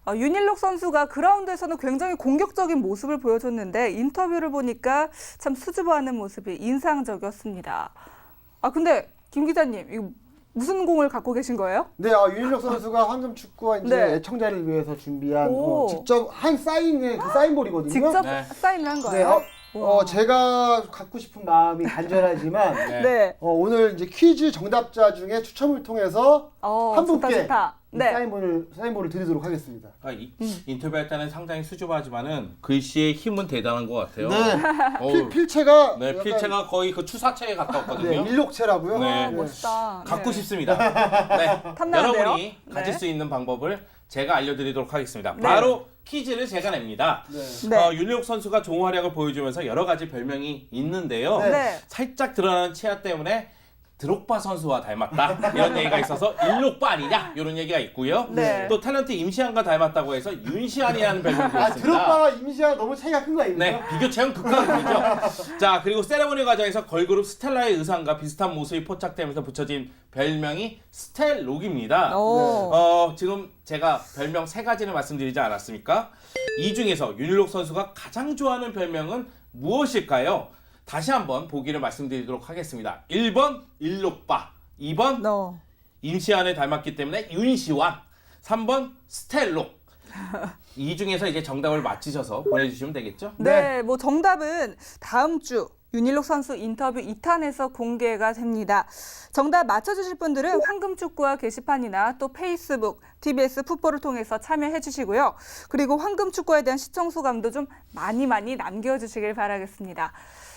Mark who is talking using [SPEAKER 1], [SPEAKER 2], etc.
[SPEAKER 1] 윤일록 선수가 그라운드에서는 굉장히 공격적인 모습을 보여줬는데 인터뷰를 보니까 참 수줍어하는 모습이 인상적이었습니다. 근데 김 기자님, 이거 무슨 공을 갖고 계신 거예요?
[SPEAKER 2] 네, 윤일록 선수가 황금 축구와 이제
[SPEAKER 1] 네.
[SPEAKER 2] 애청자를 위해서 준비한
[SPEAKER 1] 오.
[SPEAKER 2] 직접 한 사인의 그 사인볼이거든요.
[SPEAKER 1] 직접
[SPEAKER 3] 네.
[SPEAKER 1] 사인을 한
[SPEAKER 2] 네,
[SPEAKER 1] 거예요? 우와.
[SPEAKER 2] 제가 갖고 싶은 마음이 간절하지만
[SPEAKER 1] 네.
[SPEAKER 2] 오늘 이제 퀴즈 정답자 중에 추첨을 통해서 한
[SPEAKER 1] 좋다,
[SPEAKER 2] 분께
[SPEAKER 1] 좋다.
[SPEAKER 2] 이
[SPEAKER 1] 네.
[SPEAKER 2] 사인볼을 드리도록 하겠습니다.
[SPEAKER 3] 인터뷰할 때는 상당히 수줍어하지만 글씨의 힘은 대단한 것 같아요.
[SPEAKER 2] 네,
[SPEAKER 3] 어우,
[SPEAKER 2] 필체가
[SPEAKER 3] 네,
[SPEAKER 2] 약간,
[SPEAKER 3] 필체가 거의 그 추사체에 가까웠거든요.
[SPEAKER 2] 네, 일록체라고요.
[SPEAKER 3] 네.
[SPEAKER 1] 멋있다.
[SPEAKER 3] 갖고
[SPEAKER 1] 네.
[SPEAKER 3] 싶습니다. 네.
[SPEAKER 1] 탐나는데요?
[SPEAKER 3] 여러분이
[SPEAKER 1] 네.
[SPEAKER 3] 가질 수 있는 방법을 제가 알려드리도록 하겠습니다.
[SPEAKER 1] 네.
[SPEAKER 3] 바로 퀴즈를 제가 냅니다.
[SPEAKER 2] 네.
[SPEAKER 1] 네.
[SPEAKER 3] 윤일록 선수가 좋은 활약을 보여주면서 여러 가지 별명이 있는데요.
[SPEAKER 1] 네.
[SPEAKER 3] 살짝 드러나는 치아 때문에 드록바 선수와 닮았다 이런 얘기가 있어서 일록바 아니냐 이런 얘기가 있고요.
[SPEAKER 1] 네.
[SPEAKER 3] 또 탤런트 임시완과 닮았다고 해서 윤시안이라는 별명도 있습니다.
[SPEAKER 2] 드롭바와 임시완 너무 차이가 큰 거 아닙니까?
[SPEAKER 3] 네, 비교 체험 극강이죠. 자, 그리고 세레모니 과정에서 걸그룹 스텔라의 의상과 비슷한 모습이 포착되면서 붙여진 별명이 스텔록입니다.
[SPEAKER 1] 오.
[SPEAKER 3] 지금 제가 별명 3가지를 말씀드리지 않았습니까? 이 중에서 윤일록 선수가 가장 좋아하는 별명은 무엇일까요? 다시 한번 보기를 말씀드리도록 하겠습니다. 1번 일록바, 2번 임시완을 닮았기 때문에 윤시완, 3번 스텔록. 이 중에서 이제 정답을 맞히셔서 보내주시면 되겠죠?
[SPEAKER 1] 네, 뭐 정답은 다음 주 윤일록 선수 인터뷰 2탄에서 공개가 됩니다. 정답 맞춰주실 분들은 황금축구와 게시판이나 또 페이스북, TBS 풋볼을 통해서 참여해 주시고요. 그리고 황금축구에 대한 시청 소감도 좀 많이 남겨주시길 바라겠습니다.